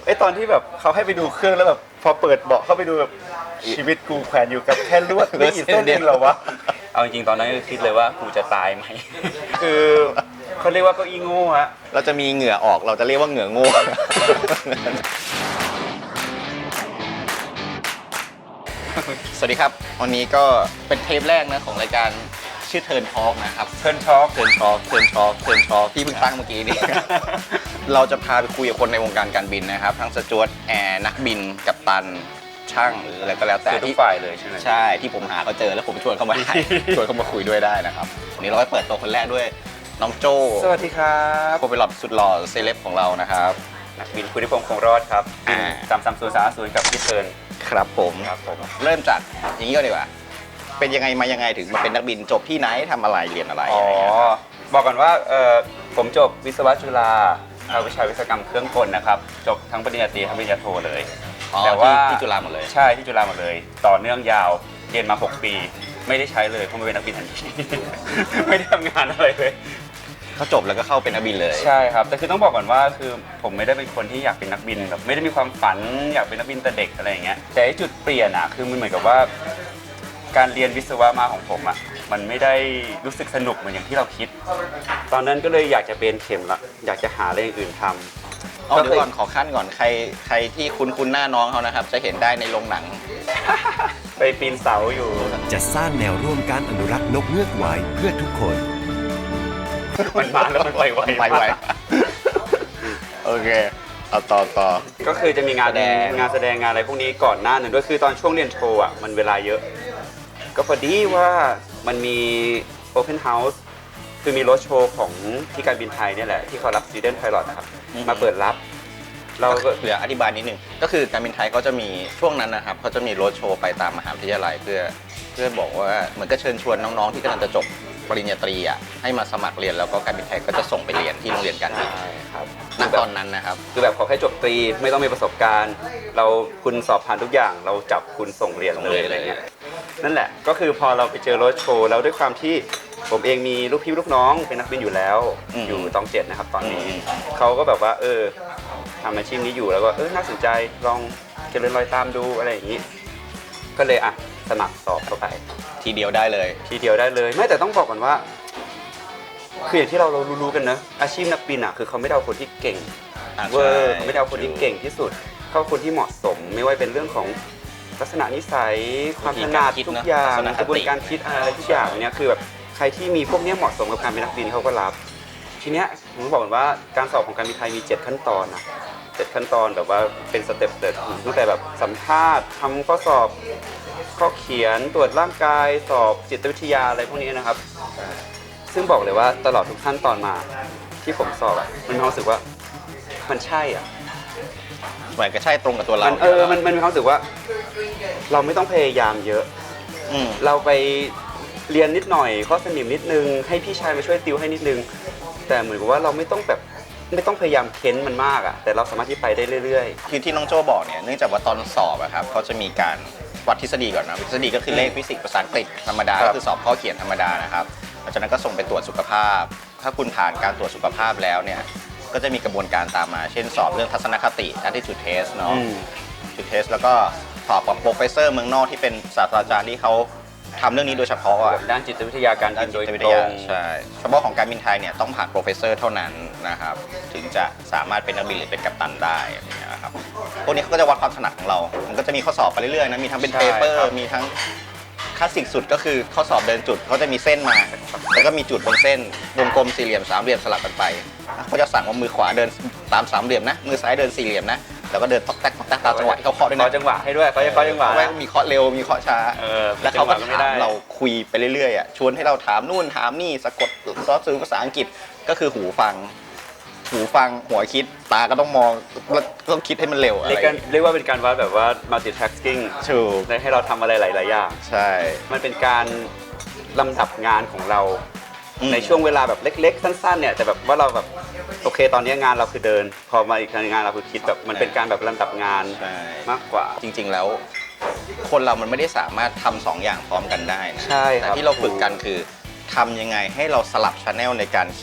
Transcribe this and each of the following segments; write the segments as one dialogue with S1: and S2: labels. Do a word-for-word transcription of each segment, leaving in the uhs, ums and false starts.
S1: ไอตอนที่แบบเขาให้ไปดูเครื่องแล้วแบบพอเปิดเบาะเข้าไปดูแบบชีวิตกูแขวนอยู่กับแค่ลวดไม่กี่เส้นเองเหรอวะเอาจริงๆตอนนั้นก็คิดเลยว่ากูจะตายไหมคือเขาเรียกว่าเก้าอี้โง่ฮะ
S2: เราจะมีเหงื่อออกเราจะเรียกว่าเหงื่อโง่สวัสดีครับวันนี้ก็เป็นเทปแรกนะของรายการชื่อเทิร์นทอล์กนะครับ
S1: เทิร์นช็อค
S2: เทิร์นทอล์กเทิร์นทอล์กเทิร์นทอล์กที่เพิ่งตั้งเมื่อกี้นี้ เราจะพาไปคุยกับคนในวงการการบินนะครับทั้งสจ๊วตแอร์นักบินกัปตันช่างหรืออะไรก็แล้วแต่
S1: ทุกฝ่ายเลยใช่ไหม
S2: ใช่ที่ผมหาเขาเจอแล้วผมชวนเขามาได้ ชวนเขามาคุยด้วยได้นะครับวันนี้เราไปเปิดตัวคนแรกด้วยน้องโจ้
S1: สวัสดีครับ
S2: โคเปลอตสุดหล่อเซเลบของเรานะครับ
S1: นักบินคุณนิพงศ์คงรอดครับสามสามศูนย์สามศูนย์กับพี่เทิร์น
S2: ครับผม
S1: ครับผม
S2: เริ่มจากอย่างนี้ก็ดีกว่าเป็นยังไงมายังไงถึงมาเป็นนักบินจบที่ไหนทำอะไรเรียนอะไร
S1: อ๋อบอกก่อนว่าเออผมจบวิศวะจุฬาภาควิชาวิศวกรรมเครื่องกลนะครับจบทั้งปริญญาตรีทั้งปริญญาโทเลย
S2: แต่ว่าที่จุฬาหมดเลย
S1: ใช่ที่จุฬาหมดเลยต่อเนื่องยาวเรียนมาหกปีไม่ได้ใช้เลยเพราะไม่เป็นนักบินทันทีไม่ได้ทำงานอะไรเลย
S2: เขาจบแล้วก็เข้าเป็นนักบินเลย
S1: ใช่ครับแต่คือต้องบอกก่อนว่าคือผมไม่ได้เป็นคนที่อยากเป็นนักบินแบบไม่ได้มีความฝันอยากเป็นนักบินแต่เด็กอะไรอย่างเงี้ยแต่จุดเปลี่ยนอะคือมันเหมือนกับว่าการเรียนวิศวะมาของผมอะมันไม่ได้รู้สึกสนุกเหมือนอย่างที่เราคิดตอนนั้นก็เลยอยากจะเป็นเข็มละอยากจะหาอะไรอย่างอื่นทำ
S2: เอาเดี๋ยวก่อนขอขั้นก่อนใครใครที่คุ้นคุ้นหน้าน้องเขานะครับจะเห็นได้ในโรงหนัง
S1: ไปปีนเสาอยู่
S3: จะสร้างแนวร่วมการอนุรักษ์นกเงือกไว้เพื่อทุกคน
S1: มันมาแล้วมันไปไว
S2: ไปไวโอเคเอาต่อต่อ
S1: ก็คือจะมีงานงานแสดงงานอะไรพวกนี้ก่อนหน้าหนึ่งด้วยคือตอนช่วงเรียนโทอ่ะมันเวลาเยอะก็พอดีว่ามันมี Open House คือมีรถโชว์ของที่การบินไทยเนี่ยแหละที่เขารับ Student Pilot นะครับมาเปิดรับ
S2: เราก็เหลืออธิบายนิดนึงก็คือการบินไทยเขาจะมีช่วงนั้นนะครับเขาจะมีรถโชว์ไปตามมหาวิทยาลัยเพื่อเพื่อบอกว่าเหมือนก็เชิญชวนน้องๆที่กำลังจะจบปริญญาตรีอ่ะให้มาสมัครเรียนแล้วก็การบินไทยก็จะส่งไปเรียนที่โรงเรียนการบิน
S1: ครับ
S2: ณตอนนั้นนะครับ
S1: คือแบบขอแค่จบตรีไม่ต้องมีประสบการณ์เราคุณสอบผ่านทุกอย่างเราจับคุณส่งเรียนเลยอะไรเงี้ยนั่นแหละก็คือพอเราไปเจอรถโชว์แล้วด้วยความที่ผมเองมีลูกพี่ลูกน้องเป็นนักบินอยู่แล้วอยู่ตองเจ็ดนะครับตอนนี้เขาก็แบบว่าเออทำอาชีพนี้อยู่แล้วก็เออน่าสนใจลองเจริญรอยตามดูอะไรอย่างนี้ก็เลยอ่ะสมัครสอบเข้าไป
S2: ทีเดียวได้เลย
S1: ทีเดียวได้เลยไม่แต่ต้องบอกก่อนว่าคืออย่างที่เราเรารู้ๆกันนะอาชีพนักบินอ่ะคือเขาไม่ได้เอาคนที่เก่งเวอร์เขาไม่ได้เอาคนที่เก่งที่สุดเขาเอาคนที่เหมาะสมไม่ว่าเป็นเรื่องของลักษณะนิสัยความถนัดทุกอย่างกระบวนการคิดอะไรทุกอย่างเนี้ยคือแบบใครที่มีพวกนี้เหมาะสมกับการเป็นนักบินเขาก็รับทีเนี้ยผมบอกว่าการสอบของการบินไทยมีเจ็ดขั้นตอนนะเจ็ดขั้นตอนแบบว่าเป็นสเต็ปเลยตั้งแต่แบบสัมภาษณ์ทำข้อสอบข้อเขียนตรวจร่างกายสอบจิตวิทยาอะไรพวกนี้นะครับซึ่งบอกเลยว่าตลอดทุกขั้นตอนมาที่ผมสอบอ่ะมันมีความรู้สึกว่ามันใช่อ่ะ
S2: เหมือนก็ใช่ตรงกับตัวเรา
S1: เออมันมันมีความรู้สึกว่าเราไม่ต้องพยายามเยอะเราไปเรียนนิดหน่อยข้อสนิมนิดนึงให้พี่ชายมาช่วยติวให้นิดนึงแต่เหมือนกับว่าเราไม่ต้องแบบไม่ต้องพยายามเค้นมันมากอ่ะแต่เราสามารถที่ไปได้เรื่อย
S2: ๆคือที่น้องโจ้บอกเนี่ยเนื่องจากว่าตอนสอบอะครับเขาจะมีการวัดทฤษฎีก่อนนะทฤษฎีก็คือเลขฟิสิกส์ภาษาอังกฤษธรรมดาก็คือสอบข้อเขียนธรรมดานะครับหลังจากนั้นก็ส่งไปตรวจสุขภาพถ้าคุณผ่านการตรวจสุขภาพแล้วเนี่ยก็จะมีกระบวนการตามมาเช่นสอบเรื่องทัศนคติ attitude test เนาะ attitude test แล้วก็สอบกับโปรเฟสเซอร์เมืองนอกที่เป็นศาสตราจารย์ที่เขาทำเรื่องนี้โดยเฉพาะ
S1: ด้านจิตวิทยาการบินโดยตรง
S2: ใช่เฉพาะของการบินไทยเนี่ยต้องผ่านโปรเฟสเซอร์เท่านั้นนะครับถึงจะสามารถเป็นนักบินหรือเป็นกัปตันได้นะครับพวกนี้เขาก็จะวัดความถนัดของเรามันก็จะมีข้อสอบไปเรื่อยๆนะมีทั้งเป็นเปเปอร์มีทั้งคลาสสิกสุดก็คือข้อสอบเดินจุดเขาจะมีเส้นมาแล้วก็มีจุดบนเส้นวงกลมสี่เหลี่ยมสามเหลี่ยมสลับกันไปเขาจะสั่งว่ามือขวาเดินตามสามเหลี่ยมนะมือซ้ายเดินสี่เหลี่ยมนะแล้วก็เดินต๊อกแต๊กต๊อกแต๊กตามจังหวะที่เขาเคาะด้วยนะ
S1: เคาะจังหวะให้ด้วยเขาจะเคาะจังหวะ
S2: มีเคาะเร็วมีเคาะช้าแล้วเขาก็ถามเราคุยไปเรื่อยๆอ่ะชวนให้เราถามนู่นถามนี่สะกดซอสซื้อภาษาอังกฤษก็คือหูฟังหูฟังหัวคิดตาก็ต้องมองแล้วต้องคิดให้มันเร็วอะไร
S1: เรียกว่าเป็นการวัดแบบว่า multitasking
S2: ถูก
S1: ได้ให้เราทำอะไรหลายๆอย่าง
S2: ใช่
S1: มันเป็นการลำดับงานของเราในช่วงเวลาแบบเล็กๆสั้นๆเนี่ยแต่แบบว่าเราแบบโอเคตอนนี้งานเราคือเดินพอมาอีกงานเราคือคิดแบบมันเป็นการแบบลำดับงานมากกว่า
S2: จริงๆแล้วคนเรามันไม่ได้สามารถทำสองอย่างพร้อมกันได้นะ
S1: ใช่
S2: แต่ที่เราฝึกกันคือทำยังไงให้เราสลับชาแนลในการคิดท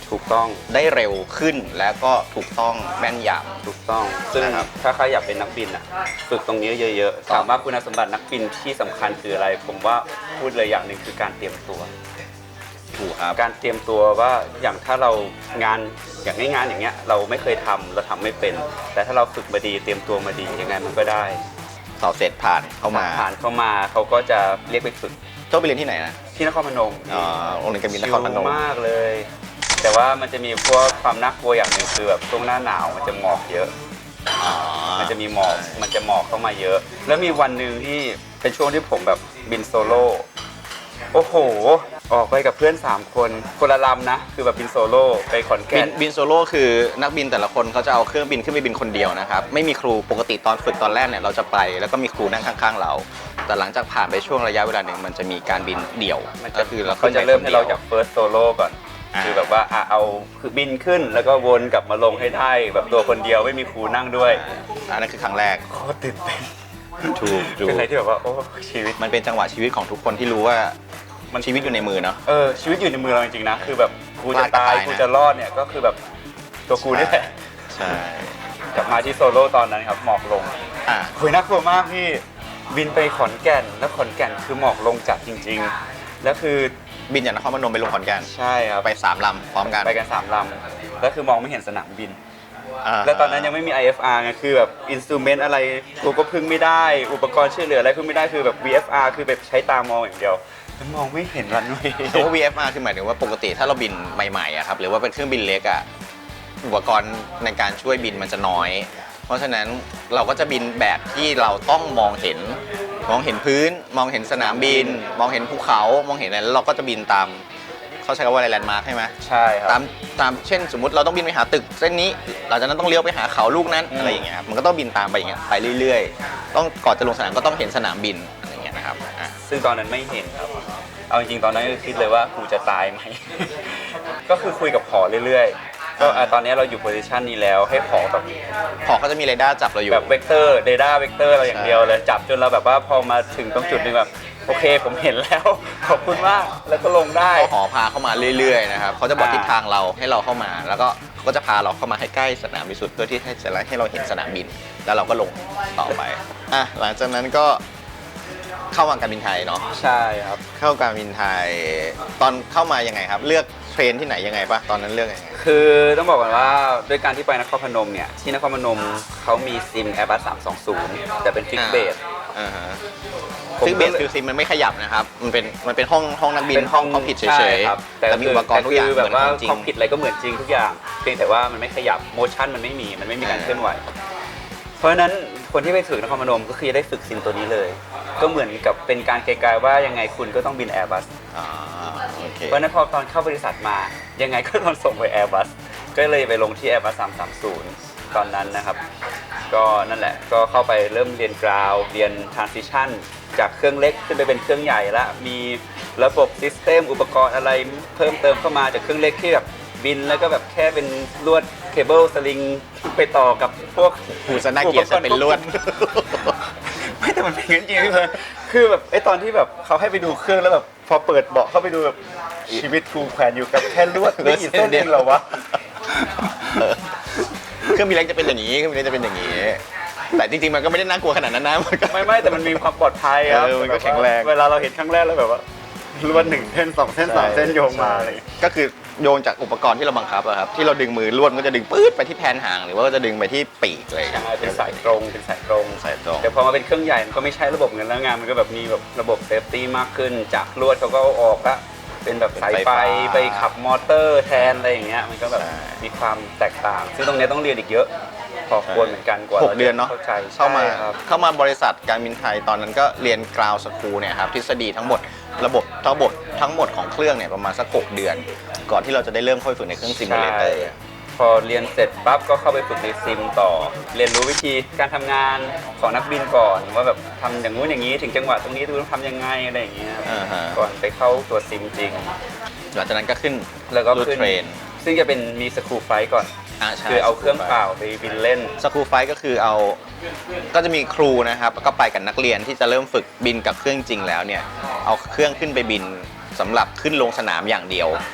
S1: ถูกต้อง
S2: ได้เร็วขึ้นแล้วก็ถูกต้องแม่นย
S1: ถูกต้องซึ่ง
S2: นะครับ
S1: ถ้าใครอยากเป็นนักบินอ่ะฝึกตรงนี้เยอะๆถามว่าคุณสมบัตินักบินที่สำคัญคืออะไร ผมว่าพูดเลยอย่างหนึ่งคือการเตรียมตัว
S2: ำถูกครับ
S1: การเตรียมตัวว่าอย่างถ้าเรางานอย่างงานอย่างเงี้ยเราไม่เคยทำเราทำไม่เป็น แต่ถ้าเราฝึกมาดีเตรียมตัวมาดียังไงมันก็ได้
S2: สอบเสร็จผ่านเข้ามา
S1: ผ่านเข้ามาเขาก็จะเรียกไปฝึก
S2: โจ้ไปเรียนที่ไหนนะ
S1: ที่นครพนม
S2: อ๋อโรงเรียนการบินน
S1: ชิ
S2: ค
S1: ล
S2: รพนม
S1: มากเลย แต่ว่ามันจะมีพวกความน่ากลัวอย่างหนึ่งคือแบบช่วงหน้าหนาวมันจะหมอกเยอะ
S2: อ๋อ
S1: มันจะมีหมอก มันจะหมอกเข้ามาเยอะ แล้วมีวันหนึ่งที่เป็นช่วงที่ผมแบบบินโซโล่ โอ้โห ออกไปกับเพื่อนสามคนคนละลำนะ คือแบบบินโซโล่ไปขอน
S2: บิ
S1: แก่
S2: น
S1: น
S2: บินโซโล่คือนักบินแต่ละคนเขาจะเอาเครื่องบินขึ้นไปบินคนเดียวนะครับไม่มีครูปกติตอนฝึกตอนแรกเนี่ยเราจะไปแล้วก็มีครูนั่งข้างๆเรา แต่หลังจากผ่านไปช่วงระยะเวลาหนึ่งมันจะมีการบินเดี่ยว
S1: มัน
S2: ก็
S1: จะ
S2: คือเรา
S1: เขาจะเริ่มให้เราจาก
S2: คน
S1: เฟิร์สโซโล่ก่อน
S2: อ่า
S1: คือแบบว่าอ่ะเอาคือบินขึ้นแล้วก็วนกลับมาลงให้ได้แบบตัวคนเดียวไม่มีครูนั่งด้วย
S2: เดียวอันนั้นคือครั้งแรก
S1: โคตรตื่นเต้น
S2: ถูกถูก
S1: เป็นอะไรที่แบบว่าโอ้ชีวิต
S2: มันเป็นจังหวะชีวิตของทุกคนที่รู้ว่ามันชีวิตอยู่ในมือเนาะ
S1: เออชีวิตอยู่ในมือเราจริงๆนะ คือแบบกูจะ
S2: พลาดก็
S1: ตาย
S2: ตายนะ
S1: กูจะรอดเนี่ยก็คือแบบตัวกูนี่แหละ
S2: ใช่
S1: กลับมาที่โซโล่ตอนนั้นครับหมอกลง
S2: อ่ะ
S1: คุยน่ากลัวมากพี่บินไปขอนแก่นแล้วขอนแก่นคือหมอกลงจัดจริงๆแล้วคือ
S2: บินจากนครพนมไปลงขอนแก่น
S1: ใช่ครับ
S2: ไปสามลำพร้อมกัน
S1: ไปกันสามลำแล้วคือมองไม่เห็นสนามบิน
S2: า
S1: แล้วตอนนั้นยังไม่มี ไอ เอฟ อาร์ ไงคือแบบอินสตูเมนต์อะไรกูก็พึ่งไม่ได้อุปกรณ์ช่วยเหลืออะไรพึ่งไม่ได้คือแบบ วี เอฟ อาร์ คือแบบใช้ตามองอย่างเดียวแล้วมองไม่เห็นรันเวย์
S2: แต่ว่า วี เอฟ อาร์ คือหมายถึงว่าปกติถ้าเราบินใหม่ๆอะครับหรือว่าเป็นเครื่องบินเล็กอะอุปกรณ์ในการช่วยบินมันจะน้อย เพราะฉะนั้นเราก็จะบินแบบที่เราต้องมองเห็นมองเห็นพื้น มองเห็นสนามบิน มองเห็นภูเขามองเห็นอะไรแล้วเราก็จะบินตามเขาใช้คำว่าอะไรแลนด์มาร์คใช่ไหม
S1: ใช่ค
S2: ตา
S1: รั
S2: ม
S1: บ
S2: ตามเช่นสมมติเราต้องบินไปหาตึกเส้นนี้หลังจากนั้นต้องเลี้ยวไปหาเขาลูกนั้น
S1: อืม
S2: อะไรอย่างเงี้ยครับมันก็ต้องบินตามไปอย่างเงี้ยไปเรื่อยๆ ต้องก่อนจะลงสนามก็ต้องเห็นสนามบินอะไรอย่างเงี้ยนะครับอ่ะ
S1: ซึ่งตอนนั้นไม่เห็นครับเอาจริงๆตอนนั้นก็คิดเลยว่ากูจะตายไหม ก็คือคุยกับผอเรื่อยๆก็อ่ะตอนนี้เราอยู่โพซิชันนี้แล้วให้ผอแบบ
S2: พอเขาจะมีเรดาร์จับเราอยู่
S1: แบบเวกเตอร์เรดาร์เวกเตอร์เราอย่างเดียวเลยจับจนเราแบบว่าพอมาถึงตรงจุดหนึงแบบโอเคผมเห็นแล้ว ขอบคุณมากแล้วก็ลงได้
S2: เขาหอพาเข้ามาเรื่อยๆนะครับเขาจะบอก
S1: อ่า
S2: ทิศทางเราให้เราเข้ามา แล้วก็เขาก็จะพาเราเข้ามาให้ใกล้สนามบินสุดเพื่อที่ให้จะให้เราเห็นสนามบิน แล้วเราก็ลงต่อไปอ่ะหลังจากนั้นก็เข้ามาการบินไทยเนาะ
S1: ใช่ครับ
S2: เข้าการบินไทย ตอนเข้ามายังไงครับ เลือกเทรนที่ไหนยังไงปะตอนนั้นเลือกยังไง
S1: คือต้องบอกก่อนว่าด้วยการที่ไปนครพนมเนี่ยที่นครพนมเขามีซิม Airbus สามสองศูนย์แต่เป็นฟิกเบส
S2: อ่าฮะ
S1: ผม
S2: ซึ่งเบ
S1: ก็
S2: ส
S1: เลย
S2: คือซิมมันไม่ขยับนะครับ มันเป็นมันเป็นห้องห้องนักบิน
S1: เป็นห้อง
S2: ห้องผิดเฉ
S1: ใช่
S2: ย
S1: ครับ
S2: ๆแต่มีอุปกรณ์ทุกอย่าง
S1: คื
S2: เห
S1: แบ
S2: มือบ น
S1: ว่า
S2: ของจริ
S1: คอง มพิวอะไรก็เหมือนจริงทุกอย่างเพียงแต่ว่ามันไม่ขยับโมชั่นมันไม่มีมันไม่มีการเคลื่อนไหว เพราะฉะนั้นคนที่ไปฝึกนครพนมก็คือจะได้ฝึกซิมตัวนี้เลย ก็เหมือนกับเป็นการไกลๆว่ายังไงคุณก็ต้องบิน Airbus
S2: อ่าโอเค
S1: เพราะฉะนั้นพอตอนเข้าบริษัทมายังไงก็ต้องส่งไป Airbus ก็เลยไปลงที่ Airbus สามสามศูนย์ตอนนั้นนะครับ ก็นั่นแหละก็เข้าไปเริ่มเรียนกราวเรียน transition จากเครื่องเล็กขึ้นไปเป็นเครื่องใหญ่ละมีระบบซิสเต็มอุปกรณ์อะไรเพิ่มเติมเข้ามาจากเครื่องเล็กที่แบบบินแล้วก็แบบแค่เป็นลวดเคเบิลสลิงไปต่อกับพวก
S2: หูสนาเกียรติจะเป็นลวด
S1: ไม่แต่มันเป็นอย่างนั้นจริงๆเลยคือแบบไอ้ตอนที่แบบเขาให้ไปดูเครื่องแล้วแบบพอเปิดเบาะเข้าไปดูแบบชีวิตกูแขวนอยู่กับแค่ลวดไม่กี่เส้นเองเหรอวะ
S2: เครื่องบินเล็กจะเป็นอย่างนี้เครื่องบินเล็กจะเป็นอย่างนี้ แต่จริงๆมันก็ไม่ได้น่ากลัวขนาดนั้นนะมันก็
S1: ไม่ไม่แต่มันมีความปลอดภัยครับ
S2: เออมันก็แข็งแรง
S1: เวลาเราเห็นครั้งแรกแล้วแบบว่าลวดหนึ่งเส้นสองเส้นสามเส้นโยงมาเลย
S2: ก็คือโยงจากอุปกรณ์ที่เราบังคับอะครับที่เราดึงมือลวดมันก็จะดึงปื๊ดไปที่แผนหางหรือว่าก็จะดึงไปที่ปีกเลย
S1: ใช่เป็นสายตรงเป็นสายตรง
S2: สายตรง
S1: แต่พอมาเป็นเครื่องใหญ่มันก็ไม่ใช่ระบบเงินแล้วงานมันก็แบบมีแบบระบบเซฟตี้มากขึ้นจากลวดเขาก็เอาออกละเป็นแบบสายไฟไปขับมอเตอร์แทนอะไรอย่างเงี้ยมันก็แบบมีความแตกต่าง ซึ่งตรงเนี้ยต้องเรียนอีกเยอะพอควรเหมือนกันกว่า
S2: หกเดือนเนาะ
S1: เข้าใจ
S2: เข้ามา
S1: ใช่ครับ
S2: เข้ามาบริษัทการบินไทยตอนนั้นก็เรียนกราวสคูลเนี่ยครับทฤษฎีทั้งหมดระบบทั้งหมดทั้งหมดของเครื่องเนี่ยประมาณสักหกเดือน ก่อนที่เราจะได้เริ่มค่อยฝึกในเครื่องซิมูเลเตอร์
S1: ใช่พอเรียนเสร็จปั๊บก็เข้าไปฝึกในซิมต่อ เรียนรู้วิธีการทำงานของนักบินก่อนว่าแบบทำอย่างงู้นอย่างนี้ถึงจังหวะตรงนี้ต้องทำยังไงอะไรอย่างเงี้ย
S2: อ่าฮะ
S1: ก่อนไปเข้าตัวซิมจริง
S2: หลังจากนั้นก็ขึ้น
S1: แล้วก็
S2: รูท
S1: ขึ้น
S2: เทรน
S1: ซึ่งจะเป็นมีสกูไฟก่อน
S2: อ่าใช่
S1: คือเอาเครื่องเปล่าไปบินเล่น
S2: สกูไฟก็คือเอาก็จะมีครูนะครับก็ไปกับนักเรียนที่จะเริ่มฝึกบินกับเครื่องจริงแล้วเนี่ยเอาเครื่องขึ้นไปบินสำหรับขึ้นลงสนามอย่างเดียว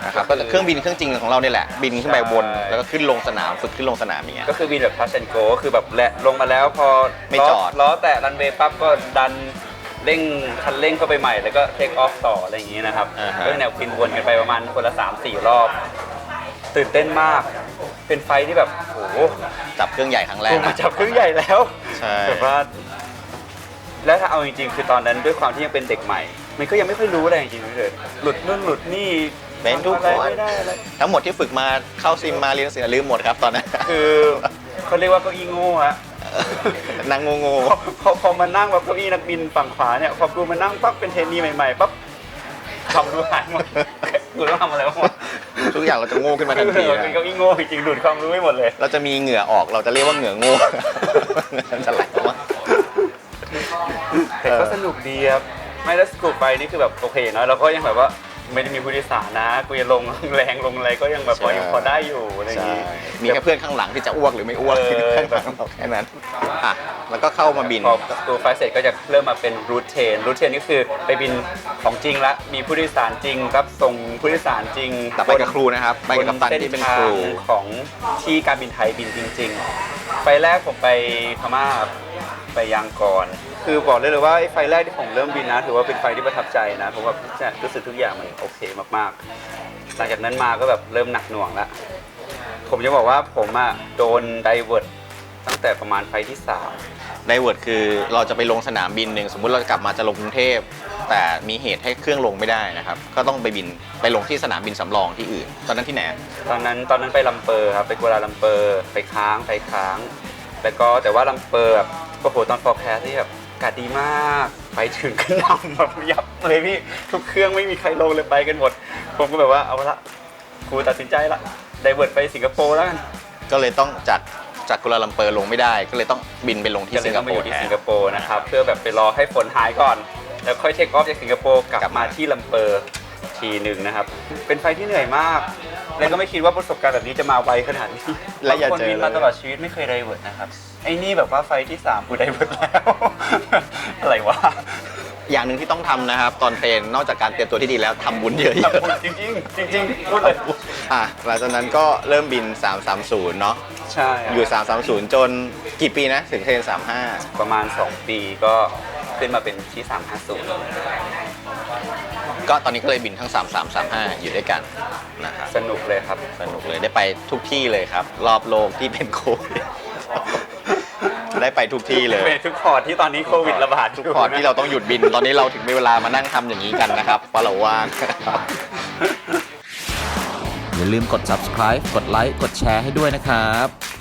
S2: นะครับก็เครื่องบินเครื่องจริงของเราเนี่ยแหละบินขึ้นไปบน
S1: ใช่
S2: แล้วก็ขึ้นลงสนามฝึกขึ้นลงสนามอย่างเงี้ย
S1: ก็คือบินแบบทัชแอนโกก็คือแบบแหละลงมาแล้วพอ
S2: ไม่
S1: ล้
S2: จอด
S1: ล้อแตะรันเวย์ปั๊บก็ดันเร่งคันเร่งเข้าไปใหม่แล้วก็เทคออฟต่ออะไรอย่างงี้นะครับ
S2: อ่าฮะ
S1: ก็แนวบินวนกันไปประมาณคนละสามสี่รอบตื่นเต้นมากเป็นไฟที่แบบโอ้โห
S2: จับเครื่องใหญ่ครั้งแรก
S1: ผมมา
S2: นะ
S1: จับเครื่องใหญ่แล้ว
S2: ใช่
S1: แบบว่าแล้วถ้าเอาจริงๆคือตอนนั้นด้วยความที่ยังเป็นเด็กใหม่ มันก็ยังไม่ค่อยรู้อะไรจริงๆเลยหลุดนู่นหลุดนี่
S2: เป็นทุก
S1: ทำ
S2: ค
S1: อะไร
S2: น
S1: ไม่ได้อะไร
S2: ทั้งหมดที่ฝึกมาเข้าซิมมาเรียนหนังสือลืมหมดครับตอนนั้น
S1: คือเขาเรียกว่าเก้าอี้โง่ฮะ
S2: นั่งงง
S1: พอพอพอมานั่งแบบเก้าอี้นักบินฝั่งขวาเนี่ยพอกูมานั่งปั๊บเป็นเทรนนีใหม่ๆปั๊บทำรู้หายหมดกูต้องทำอะไรบ้างวะ
S2: ๆทุกอย่างเราจะโง่ขึ้นมาทันที
S1: เออ
S2: นะ
S1: เป็นเก้าอี้โง่จริงๆดูดความรู้ไม่หมดเลย
S2: เราจะมีเหงื่อออกเราจะเรียกว่าเหงื่อโง่ จะไหลออกมา
S1: แต่ก็สนุกดีครับไม่แล้วสกูปไปนี่คือแบบโอเคเนอะเราก็ยังแบบว่าไม่ได้มีผู้โดยสารนะกูจะลงแรงลงอะไรก็ยังแบบพอยังพอได้อยู่อะไรอย่าง
S2: ใช่
S1: งี้
S2: มีแค่เพื่อนข้างหลังที่จะอ้วกหรือไม่อ้วก
S1: เออ
S2: ข้างหลังเราแค่นั้นอ่ะแล้วก็เข้ามาบิน
S1: พอสกูไฟเสร็จก็จะเริ่มมาเป็นรูทเทนรูทเทนนี่คือไปบินของจริงละมีผู้โดยสารจริงรับส่งผู้โดยสารจริง
S2: แต่ไปกับครูนะครับไปกับกัปตันที่เป็นครู
S1: บนส้นทางของที่การบินไทยบินจริงๆไฟแรกผมไปพม่าไปยางก่อน คือบอกได้เลยว่าไอ้ไฟแรกที่ผมเริ่มบินนะถือว่าเป็นไฟที่ประทับใจนะผมว่ารู้สึกทุกอย่างมันโอเคมากๆหลังจากนั้นมาก็แบบเริ่มหนักหน่วงละผมจะบอกว่าผมอะโดนไดเวิร์ตตั้งแต่ประมาณไฟที่สาม
S2: ไดเวิร์ดคือเราจะไปลงสนามบินหนึ่งสมมุติเรากลับมาจะลงกรุงเทพแต่มีเหตุให้เครื่องลงไม่ได้นะครับก็ต้องไปบินไปลงที่สนามบินสำรองที่อื่น ตอนนั้นที่ไหน
S1: ตอนนั้นตอนนั้นไปลำเปอร์ครับไปกัวลาลัมเปอร์ไปค้างไปค้าง แล้วก็แต่ว่าลำเปอร์แบบโอ้โหตอนฟอร์แคสที่แบบอากาศดีมากไปถึงก็นำแบบยับเลยพี่ทุกเครื่องไม่มีใครลงเลยไปกันหมด ผมก็แบบว่าเอาละครูตัดสินใจละไดเวิร์ดไปสิงคโปร์แล้วกัน
S2: ก็เลยต้องจากจากกัวลาลัมเปอร์ลงไม่ได้ ก็เลยต้องบินไปลงที่
S1: ก็เล
S2: สิ
S1: ย
S2: งค
S1: ต้องไป
S2: โป
S1: อ
S2: ร์
S1: ยู่ที่
S2: แทน
S1: สิงคโปร์นะครับเพื่อแบบไปรอให้ฝนหายก่อน แล้วค่อยเทคออฟจากสิงคโปร์กลับ
S2: กลับ
S1: มา
S2: มา
S1: ที่ลำเปอร์ทีหนึ่งนะครับเป็นไฟที่เหนื่อยมาก แล้วก็ไม่คิดว่าประสบการณ์แบบนี้จะมาไวขนาดนี้
S2: และอย่า
S1: บางคน
S2: เจอ
S1: บิน
S2: เล
S1: มาย ตลอดชีวิตไม่เคยไดเวิร์ดนะครับไอ้นี่แบบว่าไฟที่สามกูไดเวิร์ดแล้ว อะไรวะ
S2: อย่างหนึ่งที่ต้องทำนะครับ ตอนเทรนนอกจากการเตรียมตัวที่ดีแล้วทำบุญเยอะ
S1: ทำบุญจริงๆจริงๆพูดเลย
S2: ๆอ่ะหลังจากนั้นก็เริ่มบิน สามสามศูนย์ เนาะ
S1: ใช่
S2: อยู่ สามสามศูนย์ จนกี่ปีนะ ถึงเทรน สามห้า
S1: ประมาณสองปีก็ขึ้นมาเป็นที่สามห้าศูนย์
S2: ก็ตอนนี้ก็เลยบินทั้ง สามสาม สามห้า อยู่ด้วยกันนะครับ
S1: สนุกเลยครับ
S2: สนุกเลยได้ไปทุกที่เลยครับ รอบโลกที่เป็นโควิด ได้ไปทุกที่เลย
S1: เป็นทุกพอร์ตที่ตอนนี้โควิดระบาด
S2: ทุกพอร์ตที่เราต้องหยุดบิน ตอนนี้เราถึงมีเวลามานั่งทำอย่างนี้กันนะครับเพราะเราว่าง
S4: อย่าลืมกด ซับสไครบ์ กดไลค์ กดแชร์ให้ด้วยนะครับ